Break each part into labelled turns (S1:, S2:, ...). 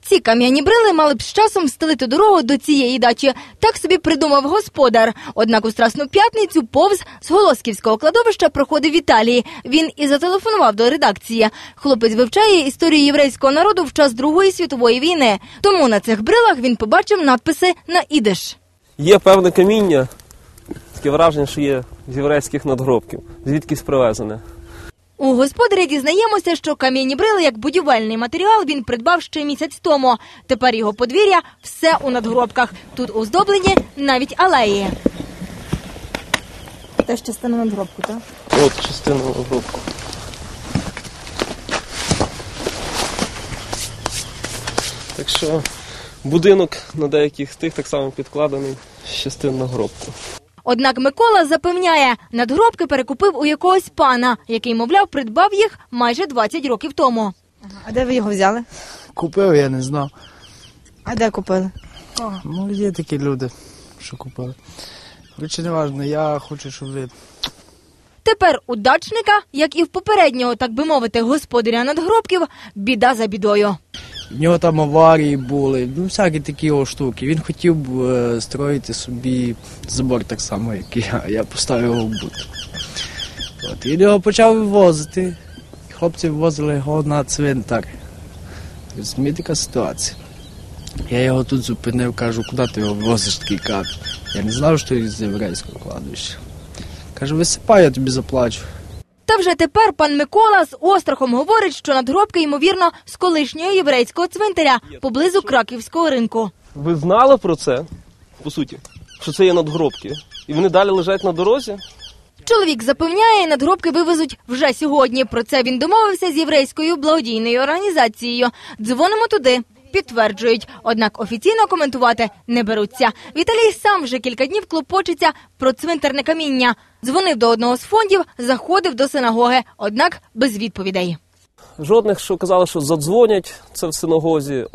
S1: Ці кам'яні брили мали б з часом встелити дорогу до цієї дачі. Так собі придумав господар. Однак у Страсну п'ятницю повз з Голосківського кладовища проходив Віталій. Він і зателефонував до редакції. Хлопець вивчає історію єврейського народу в час Другої світової війни. Тому на цих брилах він побачив надписи на ідиш.
S2: Є певне каміння, таке враження, що є з єврейських надгробків, звідкись привезене.
S1: У господаря дізнаємося, що кам'яні брили як будівельний матеріал він придбав ще місяць тому. Тепер його подвір'я – все у надгробках. Тут оздоблені навіть алеї. Теж частина надгробку, так?
S2: От частина надгробку. Так що будинок на деяких з тих так само підкладений з частин надгробку.
S1: Однак Микола запевняє, надгробки перекупив у якогось пана, який, мовляв, придбав їх майже 20 років тому.
S3: А де ви його взяли?
S4: Купив, я не знав.
S3: А де купили?
S4: Ну, є такі люди, що купили. Короче, не важливо, я хочу, щоб ви...
S1: Тепер у дачника, як і в попереднього, так би мовити, господаря надгробків, біда за бідою.
S4: В нього там аварії були, ну, всякі такі штуки. Він хотів строїти собі забор так само, як і я. Я поставив його в бут. От, і його почав вивозити. Хлопці вивозили його на цвинтар. Розумієте, така ситуація. Я його тут зупинив, кажу, куди ти його вивозиш, такий кап. Я не знав, що він з єврейського кладовища. Кажу, висипай, я тобі заплачу.
S1: Та вже тепер пан Микола з острахом говорить, що надгробки, ймовірно, з колишнього єврейського цвинтаря поблизу Краківського ринку.
S2: Ви знали про це, по суті, що це є надгробки? І вони далі лежать на дорозі?
S1: Чоловік запевняє, надгробки вивезуть вже сьогодні. Про це він домовився з єврейською благодійною організацією. Дзвонимо туди. Підтверджують, однак офіційно коментувати не беруться. Віталій сам вже кілька днів клопочеться про цвинтарне каміння. Дзвонив до одного з фондів, заходив до синагоги, однак без відповідей.
S2: Жодних, що казали, що задзвонять, це в синагозі,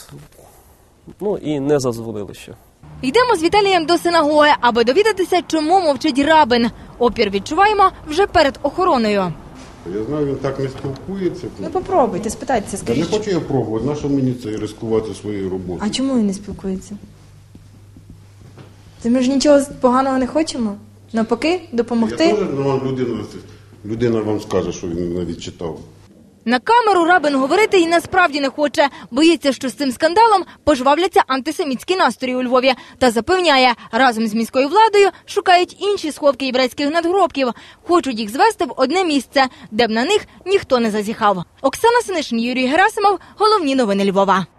S2: ну і не задзвонили ще.
S1: Йдемо з Віталієм до синагоги, аби довідатися, чому мовчить рабин. Опір відчуваємо вже перед охороною.
S5: Я знаю, він так не спілкується.
S3: Ну попробуйте, спитайтеся,
S5: Та
S3: скажіть.
S5: не хочу я пробувати, нащо мені це ризикувати своєю роботою?
S3: А чому він не спілкується? Та ми ж нічого поганого не хочемо. Навпаки, допомогти.
S5: Я теж людина вам скаже, що він навіть читав.
S1: На камеру рабин говорити і насправді не хоче. Боїться, що з цим скандалом пожвавляться антисемітські настрої у Львові. Та запевняє, разом з міською владою шукають інші сховки єврейських надгробків. Хочуть їх звести в одне місце, де б на них ніхто не зазіхав. Оксана Синишин, Юрій Герасимов. Головні новини Львова.